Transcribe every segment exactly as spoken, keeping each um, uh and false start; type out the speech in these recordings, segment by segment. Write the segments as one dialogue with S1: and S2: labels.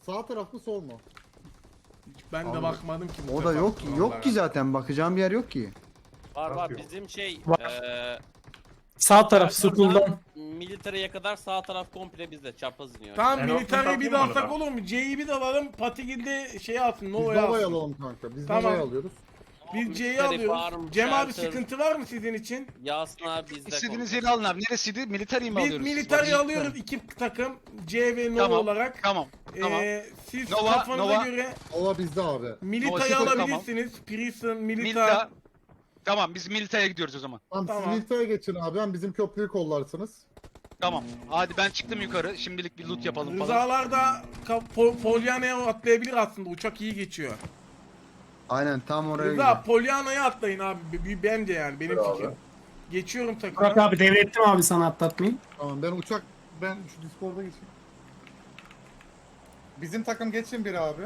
S1: Sağ taraf mı sol mu?
S2: Ben de
S1: Abi,
S2: bakmadım ki. bu
S3: O da
S2: sefer
S3: yok ki, yok
S2: kurallara.
S3: ki zaten bakacağım bir yer yok ki.
S4: Var var
S5: Yok.
S4: bizim şey
S6: Var.
S4: eee
S6: Sağ taraf
S4: Shelter'dan
S6: school'dan.
S4: Military'e kadar sağ taraf komple bizde çapraz iniyor.
S2: Tamam
S5: Ben
S2: militariyi bir
S5: option
S2: de
S5: takayım
S2: alsak
S5: onu
S2: olur mu? C'yi bir de alalım. Patigil'de şey alsın.
S1: Biz
S2: Nova'yı
S1: Nova'yı
S2: alsın.
S1: alalım kanka. Biz
S2: Tamam.
S1: Nova'yı alıyoruz.
S2: Biz C'yi
S4: Military
S2: alıyoruz.
S4: farm,
S2: Cem abi
S4: shelter.
S2: sıkıntı var mı sizin için?
S4: Yasin abi bizde
S7: İstediğiniz
S4: komple.
S7: yeri alın abi. Neresiydi? Military mi
S2: Biz
S7: alıyoruz?
S2: militariyi
S7: Var.
S2: alıyoruz iki takım. C ve Nova
S7: Tamam,
S2: olarak.
S7: Tamam. Tamam.
S2: Ee, siz
S7: Nova,
S2: kafanıza
S7: Nova.
S2: göre
S1: Nova bizde abi.
S2: Milita'yı
S7: Nova sıfır,
S2: alabilirsiniz. Prison, Milita.
S7: Milita. Tamam biz Milita'ya gidiyoruz o zaman.
S1: Tamam,
S2: Tamam.
S1: siz Milita'ya geçin abi. Hem bizim köprüyü kollarsınız.
S7: Tamam. Hadi ben çıktım yukarı. Şimdilik bir loot yapalım falan.
S2: Rızalar da ka- Po- Polyana'ya atlayabilir aslında. Uçak iyi geçiyor.
S3: Aynen tam oraya
S2: Rıza
S3: gidiyor.
S2: Polyana'ya atlayın abi. B- b- Bence yani benim
S1: Bravo.
S2: fikrim. Geçiyorum
S6: Burak
S2: takıma.
S6: abi devrettim abi sana atlatmayı.
S1: Tamam ben uçak... Ben şu Discord'a geçeyim. Bizim takım geçin bir abi.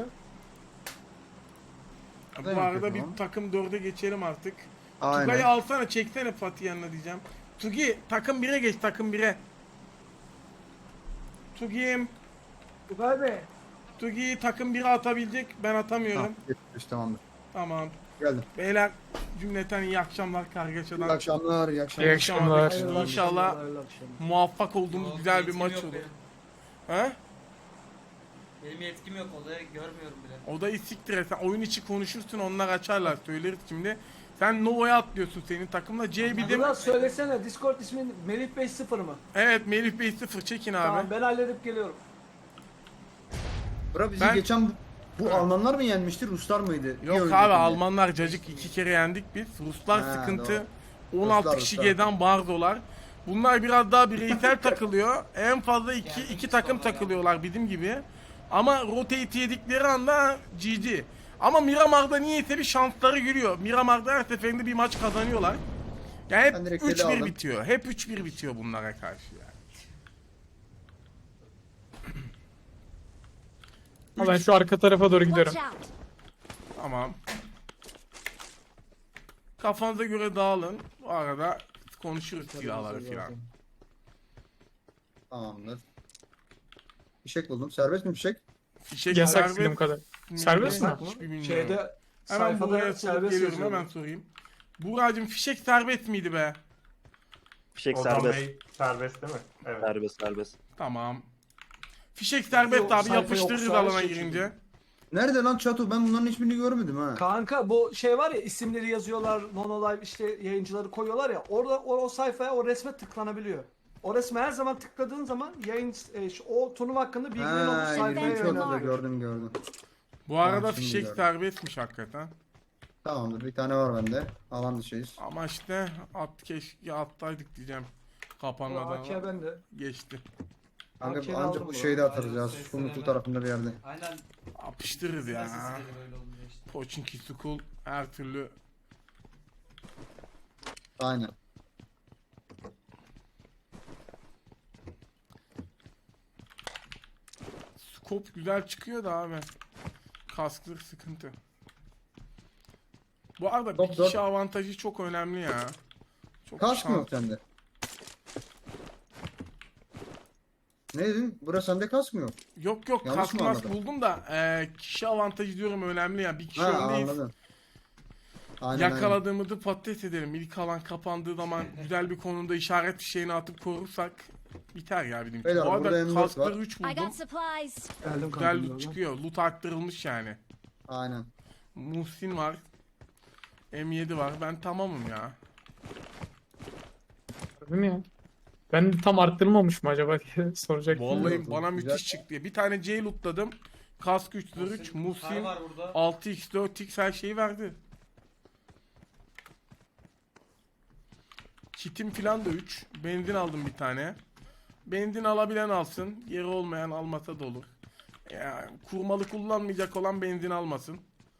S2: Bu
S3: Evet,
S2: arada bir
S3: tamam.
S2: takım dörde geçelim artık.
S3: Aynen.
S2: Tugay'ı alsana çeksene Fatih yanına diyeceğim. Tugi takım bire geç takım bire. Tugi'yim.
S6: Tugay Bey.
S2: Tugi'yi takım bire atabilecek ben atamıyorum.
S3: Tamam, geçmiş, tamamdır.
S2: Tamam.
S3: Geldim.
S2: Beyler cümleten iyi akşamlar
S3: İyi
S2: kargaşadan.
S3: akşamlar, iyi akşamlar.
S6: İyi akşamlar.
S2: İnşallah muvaffak olduğumuz güzel bir maç olur. He?
S8: Benim yetkim yok, olayı görmüyorum bile.
S2: O da siktir et. Sen oyun içi konuşursun onlar açarlar söyleriz şimdi. Sen Nova'ya atlıyorsun senin takımla. C bir de...
S9: Biraz söylesene, Discord ismin Melih Bey sıfır mı?
S2: Evet Melih Bey sıfır çekin abi.
S9: Tamam ben halledip geliyorum.
S3: Bırak bizi
S2: Ben-
S3: geçen bu, bu Almanlar mı yenmişti, Ruslar mıydı? Bir
S2: Yok
S3: öncekinde.
S2: abi Almanlar cacık iki kere yendik biz. Ruslar
S3: Ha,
S2: sıkıntı.
S3: doğru.
S2: on altı
S3: Ruslar,
S2: kişi
S3: Ruslar.
S2: G'den bardolar. Bunlar biraz daha bireysel takılıyor. En fazla iki, iki takım takılıyorlar bizim gibi. Ama rotate yedikleri anda G G. Ama Miramar'da niyeyse bir şansları gülüyor. Miramar'da her seferinde bir maç kazanıyorlar. Yani
S3: Ben
S2: hep
S3: direkt
S2: üç
S3: eli
S2: bir
S3: aldım.
S2: bitiyor. Hep üç bir bitiyor bunlara karşı yani.
S6: Ama ben şu arka tarafa doğru gidiyorum.
S10: Watch out!
S2: Tamam. Kafanıza göre dağılın. Bu arada konuşuruz silahları filan.
S3: Tamamdır. Fişek buldum. Serbest mi fişek?
S2: Fişek
S6: Yasak
S2: serbest
S6: bildiğim kadar. Serbest mi?
S2: Hiçbir bilmiyorum.
S9: Şeyde
S2: Hemen buraya
S9: sayfada
S2: sorup
S9: serbest
S2: geliyorum
S9: yazıyor.
S2: hemen sorayım. Buğra'cığım fişek serbest miydi be?
S11: Fişek
S5: Ozan
S11: serbest.
S5: Bey serbest değil mi? Evet.
S11: Serbest serbest.
S2: Tamam. Fişek serbest
S9: Yok,
S2: abi
S9: sayfa yok,
S2: yapıştırırız
S9: sadece
S2: alana
S9: şey
S2: girince.
S3: Nerede lan Çato? Ben bunların hiçbirini görmedim ha.
S9: Kanka bu şey var ya, isimleri yazıyorlar, Nonolive işte yayıncıları koyuyorlar ya, orada o, o sayfaya, o resme tıklanabiliyor. O resme her zaman tıkladığın zaman yayın e, şu- o turnuva hakkında bilginin olduğu
S3: Ha,
S9: sayfaya
S3: ilginç oldu da
S9: yönlendiriyor.
S3: gördüm gördüm.
S2: Bu arada
S3: Tamam, şimdi
S2: fişek
S3: gördüm.
S2: serbestmiş hakikaten.
S3: Tamamdır, bir tane var bende. Alan dışıyız.
S2: Ama işte at keşke attaydık diyeceğim.
S9: Bu A K
S2: Kapanmadan
S9: bende.
S2: geçti.
S3: Kanka
S9: Arkayı
S3: ancak
S9: aldım
S3: bu
S9: bu
S3: şeyde
S8: arada.
S3: atarız ya.
S8: Aynen,
S3: Sunucu
S8: sesleneme.
S3: tarafında bir yerde.
S8: Aynen.
S2: Yapıştırırız ya.
S8: Nasıl sinirli böyle olunca işte.
S2: Pochinki School her türlü.
S3: Aynen.
S2: Scope güzel çıkıyor da abi. Kasklık sıkıntı. Bu arada bir
S3: Top dört.
S2: kişi avantajı çok önemli ya. Çok
S3: Kask mı
S2: şans-
S3: yok sende? Ne dedin? Burası sende kask mı yok?
S2: Yok yok
S3: Yanlış
S2: kask
S3: mı
S2: mask
S3: anladım?
S2: buldum da e, kişi avantajı diyorum önemli ya. Bir kişi
S3: Ha,
S2: öndeyiz.
S3: anladım. Aynen, aynen.
S2: Yakaladığımızı patates edelim. İlk alan kapandığı zaman güzel bir konumda işaret fişeğini atıp korursak biter ya bizim.
S3: Beyler,
S2: Bu
S3: burada
S2: arada
S3: M dört
S2: kaskları
S3: var.
S2: üç
S10: I
S2: buldum.
S10: got supplies.
S9: Geldim
S2: Güzel
S9: kanka.
S2: loot çıkıyor. Loot arttırılmış yani.
S3: Aynen.
S2: Muhsin var. M yedi var. Ben tamamım ya.
S6: Değil mi ya? Ben tam arttırmamış mı acaba diye soracaktım.
S2: Vallahi
S3: Güzel,
S2: bana
S3: güzel.
S2: müthiş çıktı. Bir tane C lootladım. Kask üç yüz üç,
S8: Kar
S2: Muhsin
S8: var burada.
S2: altı x dört x her şeyi verdi. Kitim filan da üç. Benzin aldım bir tane. Benzin alabilen alsın. Yeri olmayan almasa da olur. Ya, kurmalı kullanmayacak olan benzin almasın.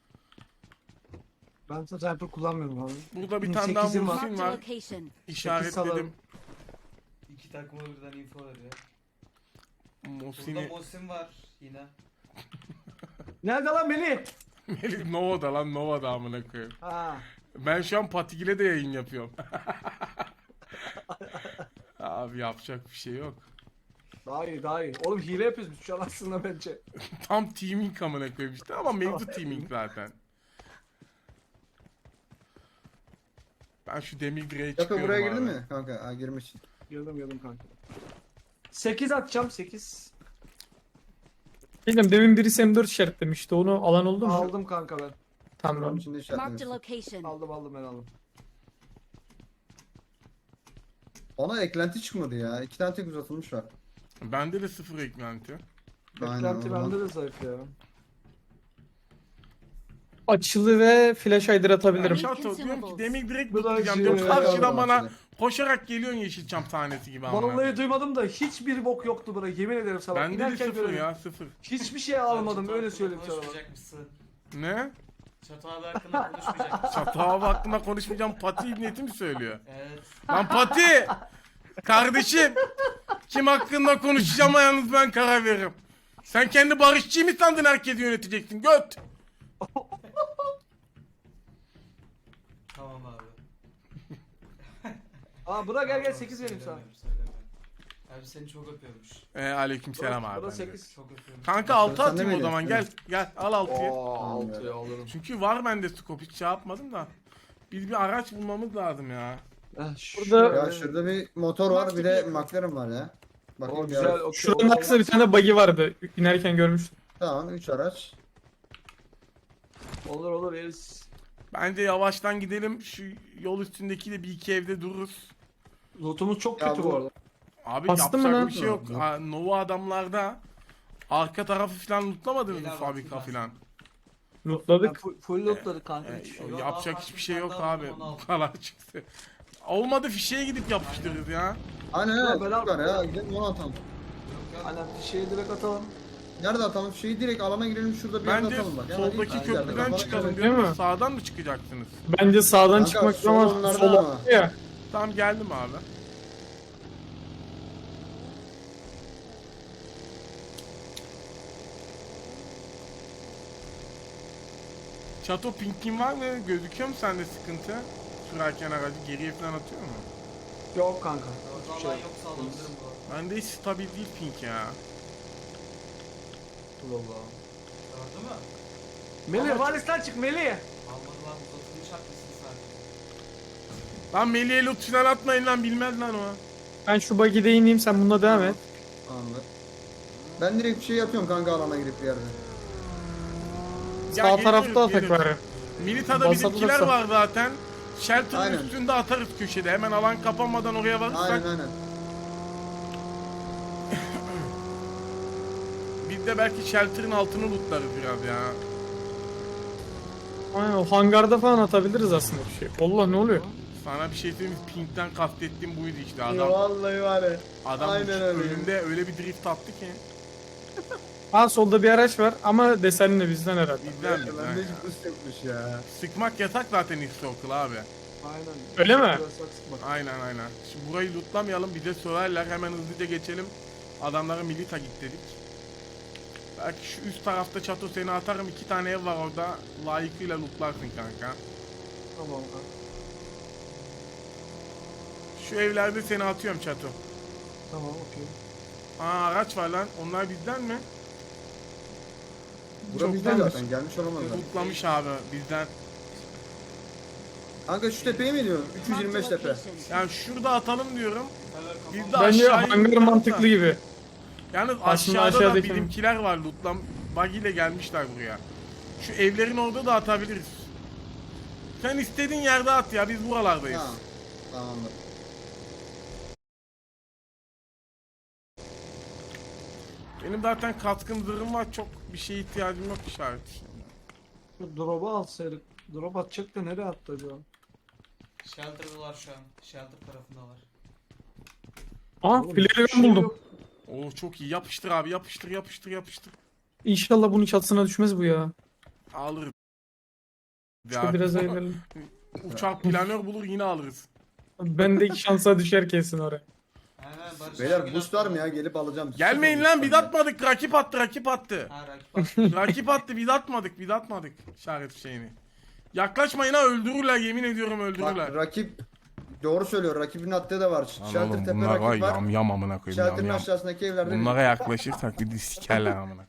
S9: Ben sniper kullanmıyorum abi.
S2: Burada bir tane daha
S9: sekizim var.
S2: Muhsin
S10: Marked a
S2: var.
S10: location.
S2: İşaretledim.
S9: salarım.
S8: İki takıma birden info veriyor. Burada
S2: Muhsin'i.
S8: Mosin var yine.
S9: Nerede lan Melih?
S2: Melih Nova'da lan Nova'da amına koyayım.
S9: Ha.
S2: Ben şu an Patigil'e de yayın yapıyorum. Abi yapacak bir şey yok.
S9: Daha iyi daha iyi. Oğlum hile yapıyoruz biz şu an aslında bence.
S2: Tam teaming amına koyayım işte ama mevcut teaming zaten. Ben şu demir direğe
S3: Çato
S2: çıkıyorum
S3: buraya
S2: abi.
S3: girdin mi kanka? Ha girmiş.
S9: Girdim girdim kanka. sekiz atacağım sekiz.
S6: Bilmiyorum demin birisi M dört işaretlemişti. Onu alan oldu mu?
S9: Aldım kanka ben.
S6: Tamam.
S3: Onun içinde
S5: Marked a
S3: işaretlemişsin.
S5: location.
S9: Aldım aldım ben aldım.
S3: Ona eklenti çıkmadı ya. İki tane tek uzatılmış var.
S2: Bende de sıfır eklenti.
S3: Aynen,
S9: Beklenti
S3: o zaman.
S9: bende de zayıf ya.
S6: Açılı ve flash hider atabilirim.
S2: Çato diyorum ki demir direkt
S9: Bu da
S2: tutacağım
S9: şey-
S2: diyorum. Karşıdan
S3: Tamam,
S2: bana
S3: şimdi.
S2: koşarak geliyorsun Yeşilçam sahnesi gibi amına.
S9: Vallahi duymadım da hiçbir bok yoktu bura. Yemin ederim sana.
S2: Bende de
S9: İnerken
S2: sıfır
S9: gördüm.
S2: ya sıfır.
S9: Hiçbir şey almadım
S8: Çatı
S9: öyle
S8: hakkında
S9: söyleyeyim sana bak.
S8: Konuşmayacakmışsın.
S2: Ne?
S8: Çatı abi hakkında konuşmayacakmışsın.
S2: Çatı hava hakkında konuşmayacağım. Pati ibneti mi söylüyor?
S8: Evet.
S2: Lan Pati! Kardeşim! Kim hakkında konuşacağıma yalnız ben karar veririm. Sen kendi barışçıyı mı sandın herkesi yöneteceksin? Göt!
S8: Tamam abi.
S9: Aa bura gel gel
S8: Tamam,
S9: sekiz vereyim sana.
S8: söyleme, söyleme. Abi seni çok öpüyormuş.
S2: Ee, aleyküm selam
S9: Bura
S2: abi.
S9: sekiz.
S8: Çok öpüyormuş.
S2: Kanka altı
S3: Sen de
S2: atayım o
S3: mi
S2: zaman gel.
S3: veriyorsun?
S2: Gel al altıyı.
S9: Oo altı ya alırım.
S2: Çünkü var bende scope hiç şey yapmadım da. Biz bir araç bulmamız lazım ya.
S9: Heh,
S6: Burada-
S3: Ya şurada bir motor var bir de McLaren var ya. Bakayım
S9: O
S3: bir
S9: güzel.
S3: araç.
S9: okey.
S6: Şuranın arkasında bir tane buggy vardı. İnerken görmüştüm.
S3: Tamam üç araç.
S9: Olur olur yeriz.
S2: Bence yavaştan gidelim. Şu yol üstündekiyle bir iki evde dururuz.
S9: Lootumuz çok
S3: Ya
S9: kötü
S3: bu-
S9: bu arada.
S2: Abi
S6: Bastın mı
S2: yapacak
S6: lan?
S2: bir şey yok.
S3: Yok.
S2: Ha, Nova adamlarda arka tarafı falan lootlamadınız mı
S8: Beyler
S2: fabrika
S8: baktılar.
S2: falan?
S9: Yani
S6: Lootladık.
S9: full, full lootladık kanka.
S2: Ee,
S9: hiçbir şey yok.
S8: yok.
S2: yapacak
S8: daha
S2: hiçbir şey yok
S8: farklı
S2: abi.
S8: bir tane
S2: Bu kadar çıktı. Olmadı fişeye gidip yapıştırırız ya.
S3: Aynen
S9: Ya
S3: öyle.
S9: ben
S3: Var
S9: al-
S3: ya gidelim onu atalım.
S9: Aynen fişeği direkt atalım.
S3: Nerede atalım? Şeyi direkt alana girelim şurada bir yerde
S2: Bence
S3: atalım bak. Ya,
S2: soldaki
S3: hadi, yerde
S2: köprüden
S3: kafana
S2: çıkalım
S3: göre.
S2: diyorum.
S6: Değil
S2: da
S6: mi?
S2: Sağdan mı çıkacaksınız?
S6: Bence sağdan
S3: Kanka,
S6: çıkmak
S3: sol
S6: ama
S3: onlarda
S6: sola
S3: ama.
S6: ya.
S2: Tamam geldim abi. Çato pinkin var mı? Gözüküyor mu sende sıkıntı? Sürerken aracı geriye falan atıyor mu?
S9: Yok kanka. Hiçbir şey
S8: Vallahi
S9: yok.
S8: yoksa alabilirim bu arada.
S2: Bende hiç stabil değil pink ya.
S9: Allah Allah.
S8: Gördün mü?
S9: Melih Valis'ten çık Melih.
S8: Almadı lan uzatılmış haklısın sadece.
S2: Lan Melih'e loot falan atmayın lan bilmez lan o.
S6: Ben şu buggy'de ineyim sen bununla devam et.
S3: Anladım. Ben direkt bir şey yapıyorum kanka alana girip bir yerde.
S2: Ya
S6: Sağ
S2: geliriz,
S6: tarafta atak
S2: geliriz.
S6: var.
S2: Milita'da
S6: Basalım
S2: bizimkiler
S6: da sağ-
S2: var zaten. Shelter'ın
S3: Aynen.
S2: üstünde atarız köşede. Hemen alan kapanmadan oraya varırsak
S3: Aynen aynen.
S2: biz de belki Shelter'ın altını lootlarız biraz ya.
S6: Aynen o hangarda falan atabiliriz aslında bir şey. Allah ne oluyor?
S2: Sana bir şey söyleyeyim mi? Pink'ten kastettiğim buydu işte
S3: Ya
S2: adam.
S3: vallahi var ya.
S2: Adam
S3: aynen öyle.
S2: önünde öyle bir drift attı ki.
S6: Ha solda bir araç var ama desenli bizden herhalde.
S2: Bizden bizden
S3: Bende
S2: ya.
S3: hiç boost yokmuş ya.
S2: Sıkmak yasak zaten ilk circle abi.
S9: Aynen.
S6: Öyle mi?
S9: Biraz saksık bak.
S2: Aynen aynen. Şimdi burayı lootlamayalım bize söylerler hemen hızlıca geçelim. Adamlara milita git dedik. Belki şu üst tarafta çato seni atarım iki tane ev var orada layıkıyla lootlarsın kanka.
S9: Tamam kanka.
S2: Şu evlerde seni atıyorum çato.
S9: Tamam okey.
S2: Aa araç var lan onlar bizden mi?
S3: Bura bizde
S6: Çoktandır.
S3: zaten gelmiş olamazlar.
S2: Lootlamış abi bizden.
S3: Kanka şu tepeye mi diyorsun? üç yüz yirmi beş
S5: Marked a
S3: tepe.
S5: location.
S2: Yani şurada atalım diyorum. Biz de
S6: Bence
S2: aşağıya
S6: hangar
S2: lootlarız da.
S6: mantıklı gibi.
S2: Yalnız
S6: Aslında
S2: aşağıda da
S6: aşağıdaki-
S2: bizimkiler var lootlam. Buggy ile gelmişler buraya. Şu evlerin orada da atabiliriz. Sen istediğin yerde at ya biz buralardayız.
S3: Tamam. Tamamdır.
S2: Benim zaten katkın zırhım var çok bir şeye ihtiyacım yok işaret.
S9: Şu drop'u alsaydık. Drop atacak da nereye attı acaba?
S8: Shelter'dalar şu an. Shelter tarafındalar.
S6: Aa
S9: Oğlum,
S6: flare
S9: hiçbir
S6: gun
S9: şey
S6: buldum.
S9: yok.
S2: Oo çok iyi yapıştır abi yapıştır yapıştır yapıştır.
S6: İnşallah bunun çatısına düşmez bu ya.
S2: Alırız.
S6: İşte
S2: Ya,
S6: biraz evvel.
S2: uçak planör bulur yine alırız.
S6: Bendeki şansa düşer kesin oraya.
S8: Aynen Barış
S3: Beyler
S8: abi
S3: boost var mı ya? Gelip alacağım.
S2: Gelmeyin
S3: Sıfır
S2: lan
S3: boost
S2: biz
S3: var ya.
S2: atmadık rakip attı rakip attı.
S8: Ha rakip attı.
S2: Rakip attı biz atmadık biz atmadık işaret şeyini. Yaklaşmayın ha öldürürler yemin ediyorum öldürürler.
S3: Bak rakip Doğru söylüyor. Rakibin attığı da var.
S2: Lan
S3: Shelter
S2: oğlum
S3: tepe
S2: bunlar var
S3: rakip var.
S2: yam yam amına koyayım yam
S3: Shelter'ın
S2: yam.
S3: aşağısındaki evlerde
S2: Bunlara yaklaşırsak bir de sikerler amına.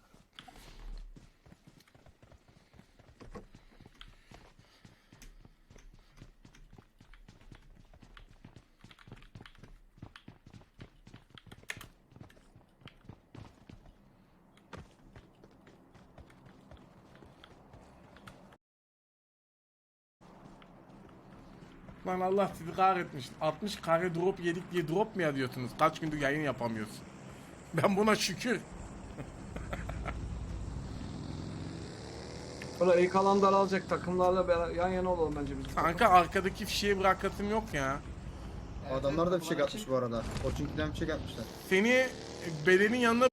S2: Lan Allah sizi kahretmiş. altmış kare drop yedik diye drop mu yazıyorsunuz? Kaç gündür yayın yapamıyorsun. Ben buna şükür.
S9: Böyle ilk alan daralacak takımlarla beraber yan yana olalım bence biz.
S2: Kanka arkadaki fişeği bırakasım yok ya.
S3: Adamlar da fişek atmış bu arada. Koçinki'den fişek atmışlar.
S2: Seni bedenin yanına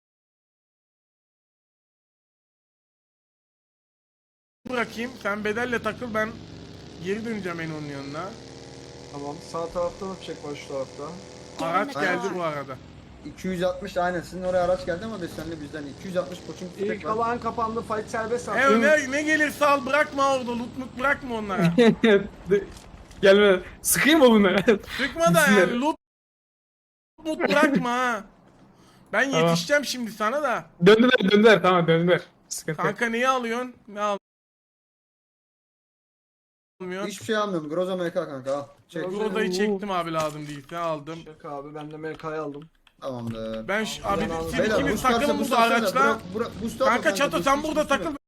S2: bırakayım. Sen bedelle takıl, ben geri döneceğim en onun yanına.
S9: Tamam. Sağ tarafta da fişek var şu tarafta.
S2: Araç
S3: Aynen.
S2: geldi bu arada.
S3: iki yüz altmış aynen. Sizin oraya araç geldi ama desenli bizden. iki yüz altmış Koçinki
S9: İlk
S3: fişek var.
S9: alan kapandı. Fight serbest
S2: E
S9: artık.
S2: ne, ne gelirse al, bırakma orada, loot mut bırakma onlara.
S6: Gelme. Sıkayım mı bunları?
S2: Sıkma da yani, loot mut bırakma ha. Ben
S6: Tamam.
S2: yetişeceğim şimdi sana da.
S6: Döndüler döndüler tamam döndüler. Sıkıntı yok.
S2: Kanka neyi alıyorsun? Ne al? Almıyorsun.
S3: Hiçbir şey almıyorum. Groza M K kanka al. Çek.
S9: Groza-
S2: Buradayı çektim abi, lazım değilse aldım.
S9: Fişek abi ben de M K'yı aldım.
S3: Tamamdır.
S2: Ben şu, abi
S9: Beyler,
S2: siz
S3: Beyler
S2: ikiniz
S3: boost varsa
S2: takılın
S3: boost
S2: burada
S3: atsana.
S2: araçla.
S3: Bırak- bırak- boost atma
S2: Kanka Çato
S3: boost
S2: sen
S3: üstüne,
S2: burada
S3: üstüne.
S2: takıl.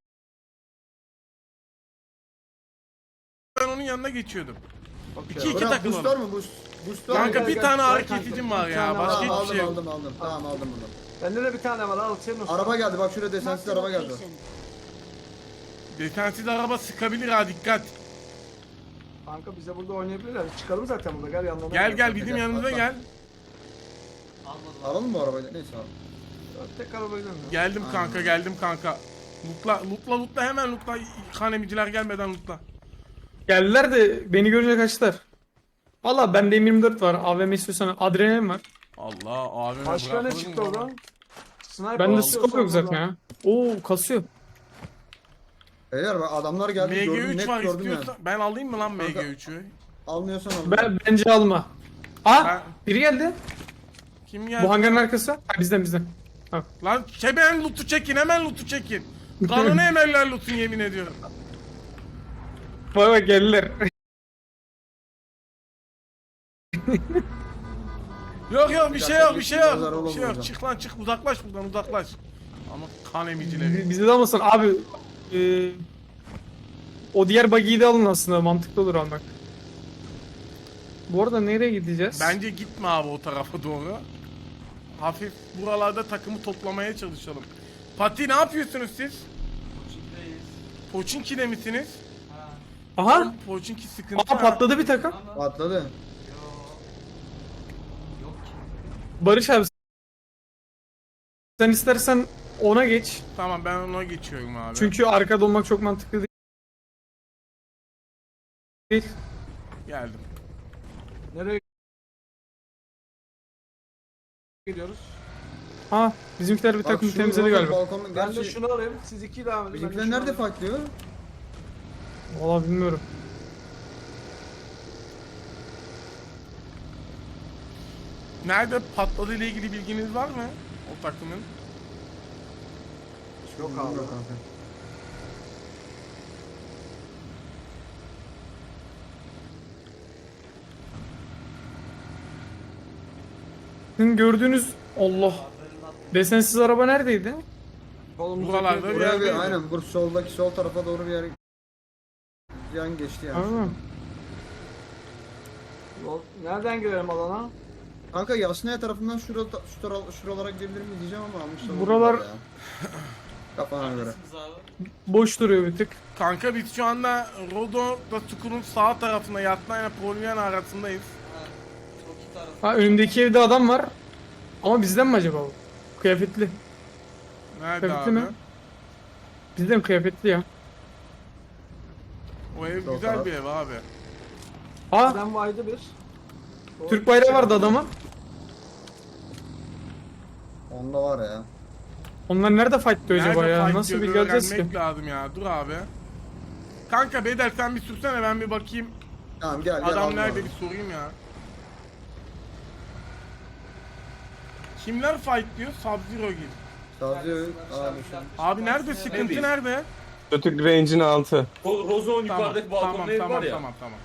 S2: Ben onun yanına geçiyordum.
S9: Okey.
S2: İki iki
S3: Bırak,
S2: takılalım.
S3: boost var mı? Boost. Boost var mı?
S2: Kanka
S9: gel,
S2: bir
S9: gel,
S2: tane
S9: gel
S2: ağrı
S9: kanka,
S2: kesicim
S9: bir
S2: var ya.
S9: tane
S2: Başka
S9: var.
S3: Tamam,
S2: hiçbir şey
S3: aldım
S2: yok.
S3: aldım aldım. Tamam aldım bunu.
S9: Bende de bir tane var. Al senin olsun.
S3: Araba geldi bak şuraya desensiz araba geldi.
S2: Detensiz araba sıkabilir ha, dikkat.
S9: Kanka bize burada oynayabilirler. Çıkalım zaten burada. Gel yanlarına.
S2: Gel gel
S3: Gel,
S2: bizim
S3: gel,
S2: yanımıza
S3: atla.
S2: gel.
S8: Almadım.
S3: Alalım mı arabayı? Neyse abi.
S9: Tek arabayla mı?
S2: Geldim kanka, geldim kanka. Lutla lutla lutla hemen lutla. Kanemiciler gelmeden lutla.
S6: Geldiler de beni görünce kaçtılar. Valla bende M yirmi dört var. A V M istiyorsan adrenalin var.
S2: Allah abime
S9: Başka ne
S2: bırakalım
S9: çıktı
S2: mı?
S9: oradan? Sniper
S6: Bende
S9: alıyor
S6: scope yok
S9: sonra
S6: zaten ya. Oo kasıyor.
S3: Eğer bak adamlar geldi
S2: M G
S3: gördüm
S2: üç
S3: net
S2: var
S3: gördüm yani.
S2: istiyorsan. Ben alayım mı lan M G
S3: Kanka-
S2: üçü?
S3: Almıyorsan alma.
S6: Ben, bence alma. Aa
S2: Ben-
S6: biri geldi.
S2: Kim geldi?
S6: Bu hangarın arkası. Ha, bizden bizden.
S2: Lan hemen lootu çekin, hemen lootu çekin. Kanını emerler lootun, yemin ediyorum.
S6: Bak bak geldiler.
S2: Yok yok bir şey yok, bir şey yok.
S3: Pazar
S2: Bir
S3: olamaz
S2: şey yok.
S3: hocam.
S2: Çık lan çık, uzaklaş buradan, uzaklaş. Ama kan emicileri.
S6: Bizi de almasın abi. E, o diğer buggy'yi de alın aslında. Mantıklı olur almak. Bu arada nereye gideceğiz?
S2: Bence gitme abi o tarafa doğru. Hafif buralarda takımı toplamaya çalışalım. Pati ne yapıyorsunuz siz?
S8: Koçinki'deyiz.
S2: Poçinki'de misiniz?
S8: Ha.
S6: Aha.
S2: Poçinki sıkıntı.
S6: Aa patladı bir takım.
S8: Ama
S3: Patladı.
S8: yok. Yok ki.
S6: Barış abi. Sen istersen ona geç.
S2: Tamam ben ona geçiyorum abi.
S6: Çünkü arkada olmak çok mantıklı değil.
S2: Geldim.
S9: Nereye gidiyoruz?
S6: Ha bizimkiler bir
S3: Bak
S6: takım
S3: şu
S6: temizledi
S3: Roza
S6: galiba.
S3: balkonun-
S9: Ben de
S3: gerçi
S9: şunu alayım. Siz iki devam edin. ben de
S3: Bizimkiler
S9: şunu
S3: nerede
S9: alayım.
S3: fightlıyor?
S6: Valla bilmiyorum.
S2: Nerede patladı ile ilgili bilginiz var mı? O takımın.
S9: Yok abi.
S3: Yok kanka.
S6: Sizin gördüğünüz Allah. Desensiz araba neredeydi?
S9: Kolumuzdaki-
S2: Buralarda bir
S3: Buraya bir
S2: yerdeydi.
S3: aynen bu soldaki sol tarafa doğru bir yer yan geçti yani.
S6: Aa,
S9: Yol- Nereden girelim alana?
S3: Kanka Yasnaya tarafından şura, şu tara- şuralara gidebilir mi diyeceğim ama almışlar.
S6: Buralar-
S3: ya. Kafana göre.
S8: Neredesiniz abi?
S6: boş duruyor bir tık.
S2: Kanka biz şu anda Rodo'da Çukur'un sağ tarafında Yatna ile Polyan arasındayız.
S8: Ha. Çok iyi taraf.
S6: Ha önümdeki evde adam var. Ama bizden mi acaba bu? Kıyafetli.
S2: Nerede
S6: Kıyafetli
S2: abi?
S6: mi? Bizden kıyafetli ya.
S2: O ev
S3: Sol
S2: güzel
S3: taraf.
S2: bir ev abi.
S6: Ha
S9: Bizden vaydı bir. Doğru.
S6: Türk bayrağı vardı adamın.
S3: Onda var ya.
S6: Onlar nerede fightlıyor acaba
S2: Nerede
S6: ya?
S2: fight
S6: Nasıl
S2: diyor,
S6: bilgi alacağız ki?
S2: öğrenmek lazım ya. Dur abi. Kanka Bedel sen bir sürsene, ben bir bakayım.
S3: Tamam gel gel.
S2: Adam
S3: aldım
S2: nerede
S3: abi.
S2: bir sorayım ya. Kimler fight diyor? Sub-Zero gibi.
S3: Sadece abi şu an.
S2: Abi nerede sıkıntı nerede?
S5: Kötü range'in altı.
S10: Rozon
S2: Tamam
S10: yukarıdaki
S2: tamam
S10: balkonda ev
S2: tamam
S10: var ya.
S2: tamam tamam.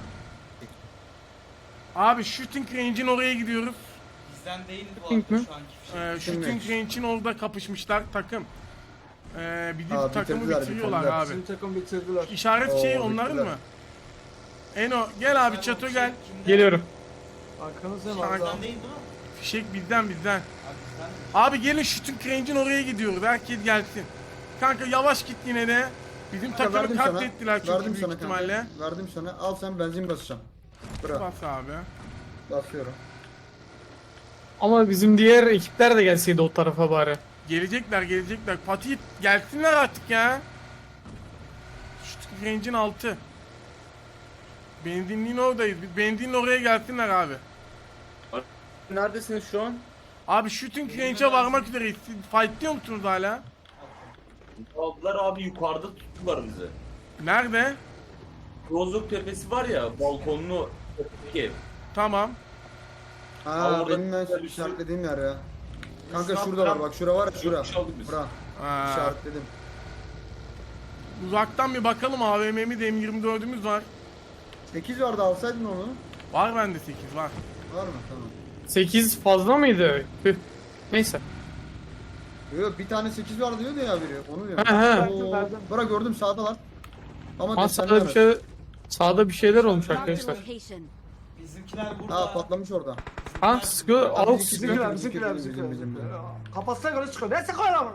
S2: Abi shooting range'in oraya gidiyoruz.
S8: Bizden değil bu
S6: Pink
S8: arada
S6: mi?
S8: şu anki fişek.
S2: Ee, shooting range'in orada kapışmışlar takım. Ee, bizim
S3: Aa,
S2: takımı
S3: bitirdiler,
S2: bitiriyorlar
S3: bitirdiler.
S2: abi.
S9: Bizim takım bitirdiler.
S2: İşaret
S3: Oo,
S2: şey onların
S3: bittiler.
S2: mı? Eno gel abi çato gel.
S6: Geliyorum.
S9: Arkanızda
S2: Kanka.
S9: var.
S8: Bizden değil değil mi?
S2: Fişek bizden bizden.
S8: Abi bizden mi?
S2: Abi gelin shooting range'in oraya gidiyoruz. Herkes gelsin. Kanka yavaş git yine de. Bizim
S3: Kanka,
S2: takımı
S3: verdim sana,
S2: katlettiler çünkü
S3: verdim
S2: büyük
S3: sana kanka.
S2: ihtimalle.
S3: Verdim sana. Al sen benzin basacağım. Bırak.
S2: Bas abi.
S3: Basıyorum.
S6: Ama bizim diğer ekipler de gelseydi o tarafa bari.
S2: Gelecekler gelecekler. Fatih gelsinler artık ya. Shooting range'in altı. Benzinliğin oradayız. Biz benzinliğin oraya gelsinler abi.
S10: Neredesiniz şu an?
S2: Abi shooting range'e varmak üzereyiz. Siz fightlıyor musunuz hala?
S10: Aldılar abi, yukarıda tuttular bizi.
S2: Nerede?
S10: Rozok tepesi var ya, balkonlu tepedeki ev.
S2: Tamam.
S3: Ha
S10: orada
S3: benim ben
S10: güzel bir
S3: işaretlediğim yer ya. Kanka
S8: Şu an
S3: şurada var
S8: kram-
S3: bak şura var ya şura.
S10: Yokmuş aldık biz.
S3: Bura.
S2: Aa,
S3: İşaretledim.
S2: uzaktan bir bakalım A V M'miz M yirmi dördümüz var.
S3: sekiz vardı alsaydın onu.
S2: Var bende sekiz var.
S3: Var mı? Tamam.
S6: sekiz fazla mıydı? Tüh. Neyse.
S3: Yok bir tane sekiz var diyordu ya biri. Onu diyorum.
S6: He, he.
S3: Oo,
S9: Verdim.
S3: Bura gördüm sağdalar. Ama
S6: Aa,
S3: desenli
S6: sağda bir
S3: araç.
S6: şey sağda bir şeyler olmuş
S12: Marked a
S6: arkadaşlar.
S12: location.
S8: Bizimkiler burada.
S3: Ha patlamış orada.
S6: Ha sıkıyor. Avuk
S3: bizimki-
S6: sıkıyor.
S9: Bizimkiler,
S3: Bizim,
S9: bizimkiler,
S3: bizim,
S9: bizimkiler.
S3: bizim, bizim.
S9: Kafasına göre çıkıyor. Ne sıkıyor lan?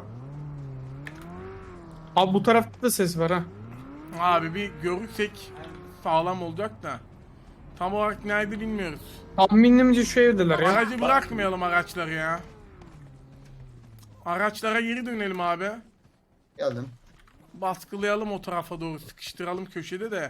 S6: Abi bu tarafta da ses var ha.
S2: Abi bir görürsek sağlam olacak da. Tam olarak nerede bilmiyoruz.
S6: Tahminimce şu evdeler ya.
S2: Aracı bırakmayalım araçları ya. Araçlara geri dönelim abi.
S3: Geldim.
S2: Baskılayalım o tarafa doğru. Sıkıştıralım köşede de.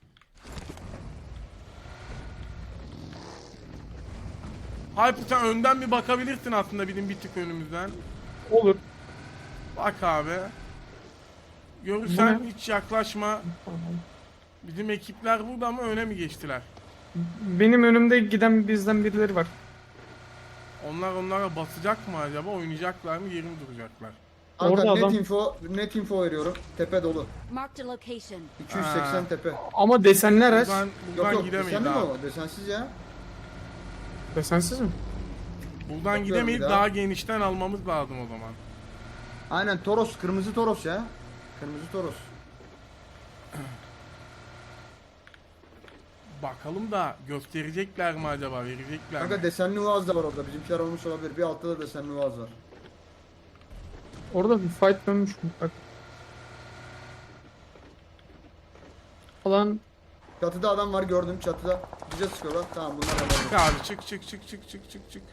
S2: Hyper sen önden bir bakabilirsin aslında bizim bir tık önümüzden.
S6: Olur.
S2: Bak abi. Görürsen
S6: Bu ne?
S2: hiç yaklaşma. Bizim ekipler burada ama öne mi geçtiler?
S6: Benim önümde giden bizden birileri var.
S2: Onlar onlara basacak mı acaba? Oynayacaklar mı? Yeri mi duracaklar?
S3: Kanka
S6: Orada
S3: net
S6: adam-
S3: info, net info veriyorum. Tepe dolu.
S12: Marked a location.
S3: iki yüz seksen
S2: Ha.
S3: tepe.
S6: Ama desenli araç.
S2: Buradan,
S3: Yok
S2: buradan
S3: yok
S2: gidemeyiz
S3: desenli mi
S2: abi.
S3: o? Desensiz ya.
S6: Desensiz mi?
S2: Buradan
S3: Bakıyorum
S2: gidemeyiz.
S3: bir daha.
S2: Daha genişten almamız lazım o zaman.
S3: Aynen Toros, kırmızı Toros ya. Kırmızı Toros.
S2: Bakalım da gösterecekler mi acaba? Verecekler
S3: Kanka
S2: mi?
S3: desenli Uaz da var orada. Bizimkiler olmuş olabilir. Bir altta da desenli Uaz var.
S6: Orada bir fight dönmüş bak. Falan
S3: Çatıda adam var gördüm çatıda. Bize sıkıyorlar. Tamam bunlar
S2: Çık
S3: hemen.
S2: abi çık çık çık çık çık çık çık.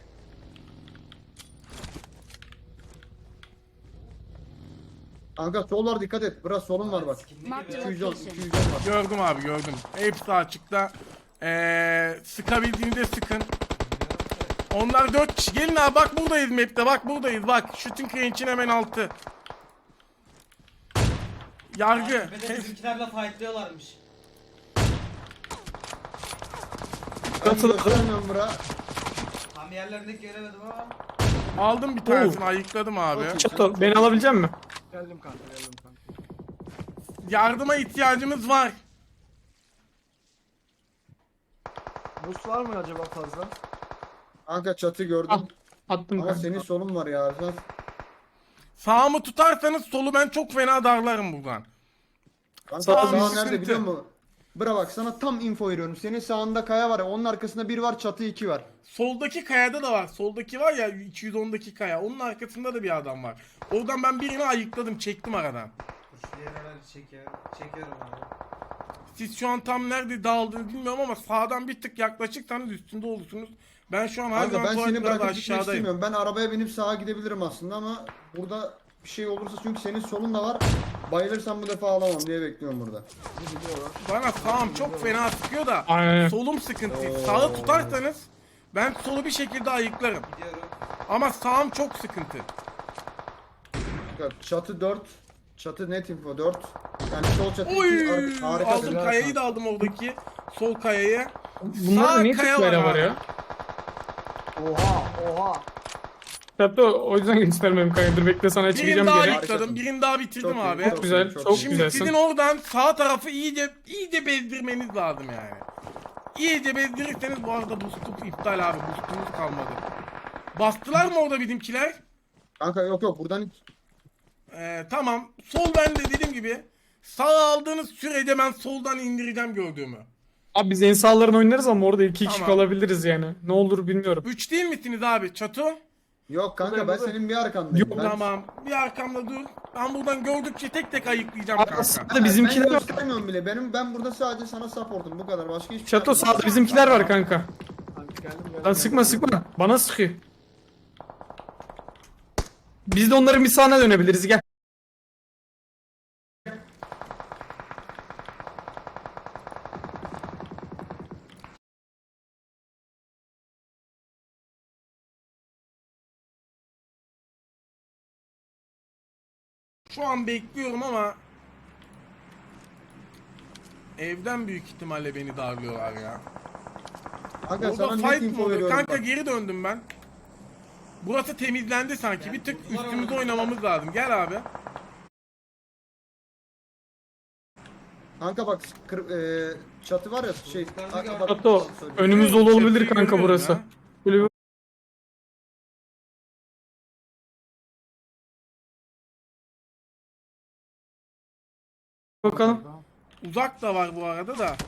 S3: Kanka sol var dikkat et. Biraz solun var bak.
S12: Marked a
S3: iki yüz on,
S12: location.
S3: iki yüz on var.
S2: Gördüm abi gördüm. Hepsi açıkta. Ee, sıkabildiğinde sıkın. Onlar dört kişi. Gelin abi bak buradayız map'te. Bak buradayız bak. Shooting range'in hemen altı. Yargı.
S8: Tepede bizimkilerle fightlıyorlarmış.
S3: Ben
S6: Katılı-
S3: göstermiyorum bura.
S8: Tam yerlerini göremedim ama.
S2: Aldım bir tanesini ayıkladım abi.
S6: Çato beni alabilecek misin?
S9: Geldim kanka, geldim kanka.
S2: Yardıma ihtiyacımız var.
S9: Boost var mı acaba fazla?
S3: Kanka çatı gördüm.
S6: Al. Attım
S3: Ama
S6: kanka.
S3: senin solun var ya. Sen...
S2: Sağımı tutarsanız solu ben çok fena darlarım buradan.
S3: Kanka
S6: Sağ-
S3: sağ
S2: sıkıntı.
S3: nerede biliyor musun? Bıra bak sana tam info veriyorum. Senin sağında kaya var ya. Onun arkasında bir var çatı iki var.
S2: Soldaki kayada da var. Soldaki var ya iki yüz ondaki kaya. Onun arkasında da bir adam var. Oradan ben birini ayıkladım. Çektim aradan.
S8: Dur şu diğer aracı çekiyorum. Çekiyorum abi.
S2: Siz şu an tam nerede dağıldığını bilmiyorum ama sağdan bir tık yaklaşırsanız üstünde olursunuz. Ben şu an her
S3: Kanka
S2: zaman
S3: ben
S2: tuvalet
S3: seni
S2: biraz
S3: bırakıp gitmek
S2: aşağıdayım.
S3: istemiyorum. Ben arabaya binip sağa gidebilirim aslında ama burada bir şey olursa çünkü senin solun da var. Bayılırsam bu defa alamam diye bekliyorum burada.
S2: Bana sağım çok fena sıkıyor da
S6: Aynen.
S2: solum sıkıntı. Sağı tutarsanız ben solu bir şekilde ayıklarım.
S8: Gidiyorum.
S2: Ama sağım çok sıkıntı.
S3: Bak, çatı dört. Çatı net info dört. Yani sol çatı
S2: Oy!
S3: iki. Ar- harika.
S2: Aldım
S3: bir-
S2: kayayı da aldım oradaki. Sol kayayı.
S6: Bunlar da
S2: Sağ
S6: niye
S2: kaya
S6: tık böyle
S2: var
S6: var
S2: abi.
S6: ya?
S9: Oha, oha.
S6: Hatta o yüzden göstermem kanka. Dur bekle sana
S2: Birini
S6: çıkacağım
S2: daha
S6: geri.
S2: yıkladım, birini daha bitirdim
S3: Çok iyi,
S2: abi.
S6: Çok güzel,
S3: Çok
S6: çok
S3: iyi.
S2: Şimdi
S6: güzelsin.
S2: sizin oradan sağ tarafı iyice iyice bezdirmeniz lazım yani. İyice bezdirirseniz bu arada boostum iptal abi. Boostumuz kalmadı. Bastılar mı orada bizimkiler?
S3: Kanka yok yok buradan hiç.
S2: Ee, tamam. Sol bende dediğim gibi. Sağ aldığınız sürece ben soldan indireceğim gördüğümü.
S6: Abi biz en sağlarını oynarız ama orada iki kişi
S2: Tamam.
S6: kalabiliriz yani. Ne olur bilmiyorum.
S2: Üç değil misiniz abi Çato?
S3: Yok kanka
S9: Buradayım,
S3: ben
S9: buradayım.
S3: senin bir arkandayım.
S6: Yok,
S3: Ben-
S2: Tamam. Bir arkamda dur. Ben buradan gördükçe tek tek ayıklayacağım
S6: Abi
S2: kanka.
S6: sağda bizimkiler
S3: ben
S6: var.
S3: göstermiyorum bile. Benim ben burada sadece sana supportum bu kadar. Başka hiçbir şey
S6: Çato
S3: yapmıyorum.
S6: sağda bizimkiler var kanka.
S9: Kanka geldim geldim.
S6: Lan sıkma sıkma. Bana sıkıyor. Biz de onların bir sahne dönebiliriz gel.
S2: Şu an bekliyorum ama evden büyük ihtimalle beni darlıyorlar ya.
S3: Kanka
S2: Orada
S3: sana net
S2: fight mı
S3: info
S2: oluyor?
S3: veriyorum
S2: Kanka
S3: bak.
S2: geri döndüm ben. Burası temizlendi sanki. Bir tık üstümüze oynamamız lazım. Gel abi.
S3: Kanka bak kır, e, çatı var ya şey. Kanka bak-
S6: Çato önümüz dolu olabilir
S2: Çatıyı
S6: kanka
S2: görüyorum
S6: burası.
S2: ya.
S6: Böyle bir... Bakalım.
S2: Uzak da var bu arada da.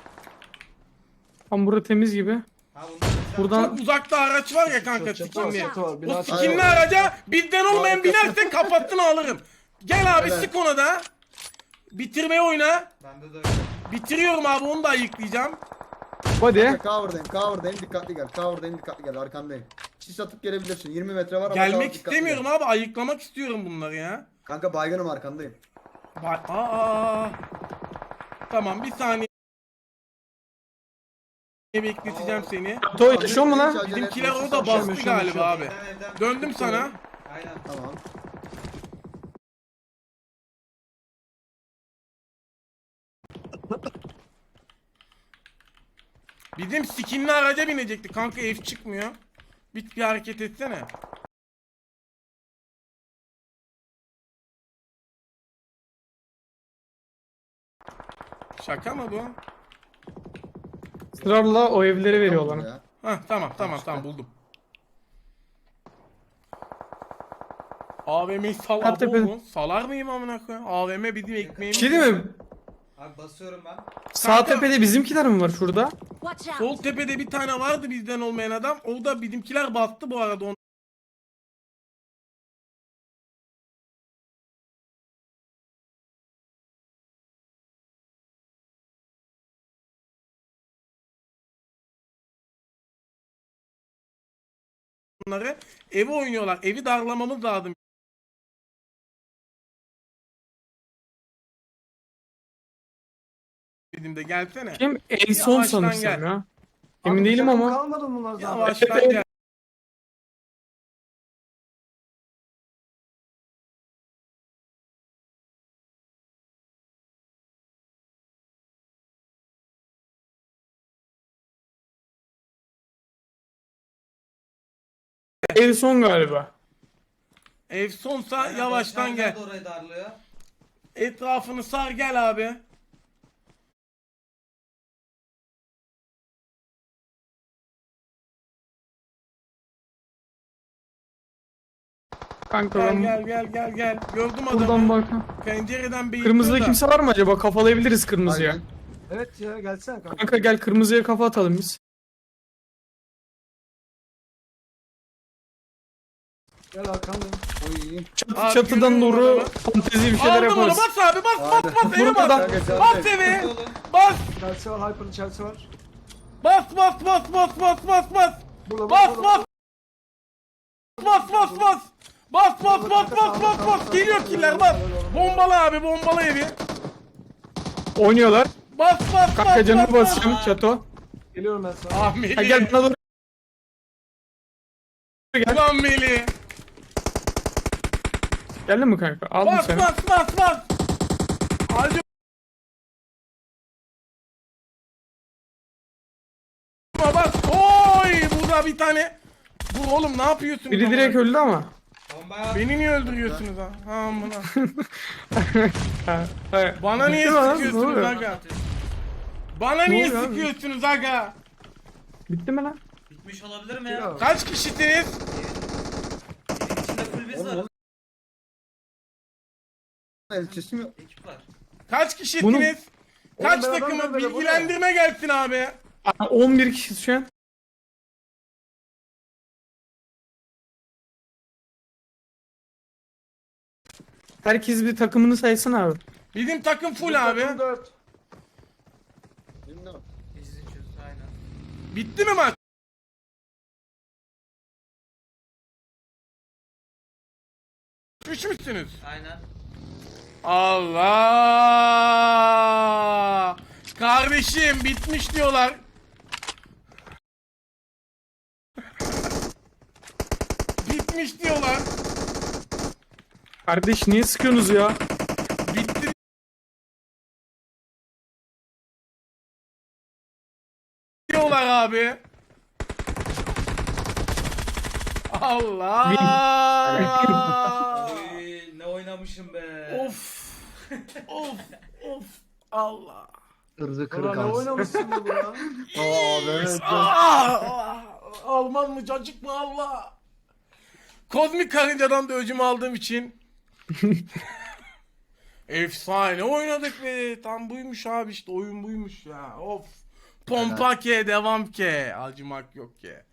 S6: Tam burada temiz gibi.
S8: Ha bunlar
S6: Buradan
S2: Çok uzakta araç var ya kanka
S9: Çatı var,
S2: skinli.
S9: çatı var.
S2: O
S9: Bina çatı
S2: skinli
S9: var.
S2: araca bizden olmayan binerse kafasını alırım. Gel abi
S3: Evet.
S2: sık ona da. Bitirmeye oyna.
S8: bende de öyle.
S2: Bitiriyorum abi onu da ayıklayacağım.
S6: hadi.
S3: Kanka cover'dayım cover'dayım dikkatli gel. Cover'dayım dikkatli gel arkandayım. Sis atıp gelebilirsin. yirmi metre var ama
S2: Gelmek
S3: cover, dikkatli
S2: istemiyorum
S3: gel.
S2: abi ayıklamak istiyorum bunları ya.
S3: Kanka baygınım arkandayım.
S2: Bak aa. Tamam bir saniye bekleteceğim seni.
S6: Çato yaşıyor mu lan?
S2: Bizimkiler
S3: Acele etme,
S2: orada
S3: sis
S2: bastı
S3: atacağım.
S2: galiba abi.
S8: Evden, evden.
S2: Döndüm sana.
S8: Aynen.
S3: Tamam.
S2: Bizim skinli araca binecekti. Kanka ev çıkmıyor. Bir, bir hareket etsene. Şaka mı bu?
S6: Sırarla o evleri veriyorlar.
S3: Ya.
S2: Hah tamam tamam tamam buldum. A V M'yi sal
S6: Hatta
S2: abo
S6: ben-
S2: mu? Salar mıyım amına koyayım? A V M bizim
S6: Bir
S2: ekmeğimiz.
S6: şey değil mi?
S8: Abi basıyorum ben.
S6: Sağ
S2: Kanka-
S6: tepede bizimkiler mi var şurada?
S12: Watch out!
S2: Sol tepede bir tane vardı bizden olmayan adam. O da bizimkiler bastı bu arada onu. Onları evi oynuyorlar. Evi darlamamız lazım. Dedim de gelsene.
S6: Kim? En son
S2: Yavaştan
S6: sanırsam
S2: gel.
S6: ya.
S9: Abi
S6: Emin değilim
S9: takım
S6: ama.
S9: Kalmadı mı bunlar zaten?
S2: Yavaştan gel.
S6: En son galiba.
S2: Ev sonsa
S8: Aynen,
S2: yavaştan
S8: Barış
S2: gel.
S8: abi de orayı darlıyor.
S2: Etrafını sar gel abi.
S6: Kanka
S2: Gel
S6: ben
S2: gel gel gel gel. Gördüm
S6: buradan
S2: adamı.
S6: bak.
S2: Pencereden beyitliyor
S6: Kırmızıda
S2: da.
S6: kimse var mı acaba? Kafalayabiliriz kırmızıya.
S3: Aynen.
S9: Evet ya gelsene kanka.
S6: Kanka gel kırmızıya kafa atalım biz.
S9: Gel arkandayım.
S3: Oy.
S6: Çatı,
S2: Abi
S6: çatıdan
S2: görüyorum
S6: doğru
S2: adamı.
S6: fantezi bir şeyler
S2: Aldım onu
S6: yaparız.
S2: bas abi bas bas
S3: Aynen.
S2: bas eve bas.
S6: Buradan-
S3: Kanka,
S2: Bas
S3: sen de-
S2: eve.
S8: Oğlum.
S2: Bas
S9: Chelsea var, Hyper'lı Chelsea var.
S2: bas bas bas bas bas bas bas.
S9: Burada
S2: Bas
S9: burada,
S2: bas. Bas bas bas. Bas bas bas bas bas bas. Geliyor killer bas. Bombalı abi bombalı evi.
S6: Oynuyorlar.
S2: Bas bas
S6: Kanka
S2: bas
S6: canını
S2: bas bas.
S6: basacağım Çato.
S9: Geliyorum ben sana.
S2: Ah Melih.
S6: Ha, gel bana doğru. Gel.
S2: Ulan Melih.
S6: Geldin mi kanka? Aldım
S2: Bas
S6: seni.
S2: bas bas bas. Hadi. Bas. Oy burada bir tane Vur oğlum, ne yapıyorsunuz?
S6: Biri
S2: amına?
S6: direkt öldü ama.
S2: Beni niye öldürüyorsunuz ha? Ha amına.
S6: Ha, hayır.
S2: Bana niye
S6: Bitti mi lan? Ne
S2: sıkıyorsunuz
S6: oluyor?
S2: aga? Bana
S6: Ne
S2: niye
S6: oluyor abi?
S2: sıkıyorsunuz aga?
S6: Bitti mi lan?
S8: Bitmiş olabilir mi ya?
S2: Kaç kişisiniz?
S8: Evin içinde full biz var.
S3: Oğlum, elçisi mi?
S8: Ekip var.
S2: Kaç kişisiniz?
S6: Bunu-
S2: Kaç
S9: Oğlum ben
S2: takımı?
S9: adam böyle, bu ne?
S2: Bilgilendirme gelsin abi.
S6: Aa, on bir kişi şu an. Herkes bir takımını saysın abi.
S2: Bizim takım full
S9: Bizim
S2: abi.
S9: takım dört.
S3: Bilmiyorum.
S8: Biz içiyoruz aynen.
S2: Bitti mi maç? Üç müsünüz?
S8: Aynen.
S2: Allah! Kardeşim bitmiş diyorlar. Bitmiş diyorlar.
S6: Kardeş niye sıkıyorsunuz ya?
S2: Bitti diyorlar abi. Allah!
S8: Oy, ne oynamışım be.
S2: Of! Of! Of! Allah!
S3: Hırzı
S9: Ulan
S3: kırık
S9: ne
S3: ağız.
S9: oynamışsın bu ya?
S3: Aa evet.
S2: Ah! Alman mı cacık mı Allah? Kozmik karıncadan da öcümü aldığım için. Efsane oynadık be. Tam buymuş abi, işte oyun buymuş ya. Of. Pompa ke, devam ke. Acımak yok ke.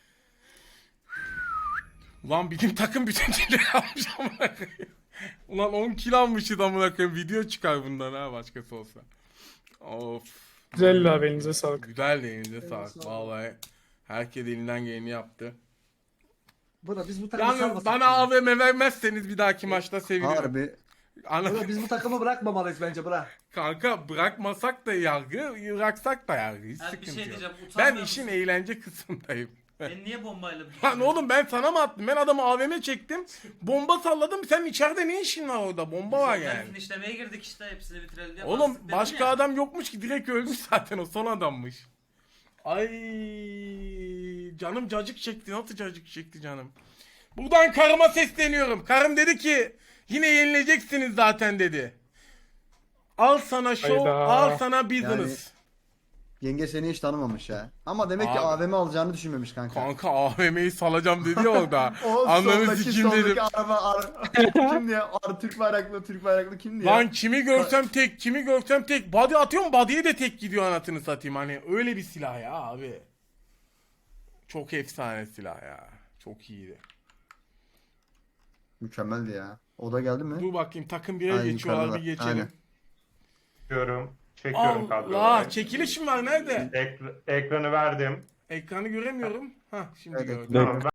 S2: Ulan bizim takım bütün killeri almış amına koyayım. Ulan on kill almışız amına koyayım. Video çıkar bundan ha, başkası olsa. Of.
S6: Güzel abi, elinize sağlık.
S2: Güzel de elinize sağlık.
S9: sağlık.
S2: Vallahi herkes elinden geleni yaptı.
S9: Buna biz bu takımı
S2: Yalnız
S9: salmasak
S2: bana
S9: mı?
S2: A V M vermezseniz bir dahaki maçta sevinirim.
S3: Harbi.
S2: Ana,
S9: Buna biz bu takımı bırakmamalıyız bence bırak.
S2: kanka bırakmasak da yargı, bıraksak da yargı. Hiç
S8: Abi bir
S2: sıkıntı
S8: şey
S2: yok.
S8: diyeceğim.
S2: Ben
S8: Utanmıyor
S2: işin
S8: musun?
S2: eğlence kısmındayım.
S8: Beni niye bombayla
S2: Lan oğlum ben sana mı attım? Ben adamı A V M çektim. Bomba salladım. Sen içeride ne işin var orada? Bomba var yani.
S8: Finişlemeye girdik işte, hepsini bitirelim diye.
S2: Oğlum
S8: bastık dedim
S2: başka
S8: ya.
S2: adam yokmuş ki, direkt ölmüş zaten, o son adammış. Ay canım cacık çekti. Nasıl cacık çekti canım? Buradan karıma sesleniyorum. Karım dedi ki yine yenileceksiniz zaten dedi. Al sana show,
S6: Hayda.
S2: al sana business.
S3: Yenge seni hiç tanımamış ya. Ama demek ki
S2: Abi.
S3: A V M alacağını düşünmemiş kanka.
S2: Kanka A V M'yi salacağım dedi ya orada.
S3: O
S2: Ananı
S3: soldaki-
S2: sikim dedim.
S3: soldaki araba ar kimdi ya? Ar Türk bayraklı Türk bayraklı kimdi ya?
S2: Lan kimi görsem tek, kimi görsem tek. Body atıyorum, body'ye de tek gidiyor anasını satayım. Hani öyle bir silah ya abi. Çok efsane silah ya. Çok iyiydi.
S3: Mükemmeldi ya. O da geldi mi?
S2: Dur bakayım, takım bire
S3: Ay,
S2: geçiyorlar,
S3: yukarıda.
S2: bir geçelim.
S3: Aynen.
S5: Çekiyorum. Çekiyorum
S2: Allah,
S5: kadroları.
S2: çekiliş mi var, nerede?
S5: Ekr- ekranı verdim.
S2: Ekranı göremiyorum. Hah şimdi
S3: Evet.
S2: gördüm.
S5: Tamam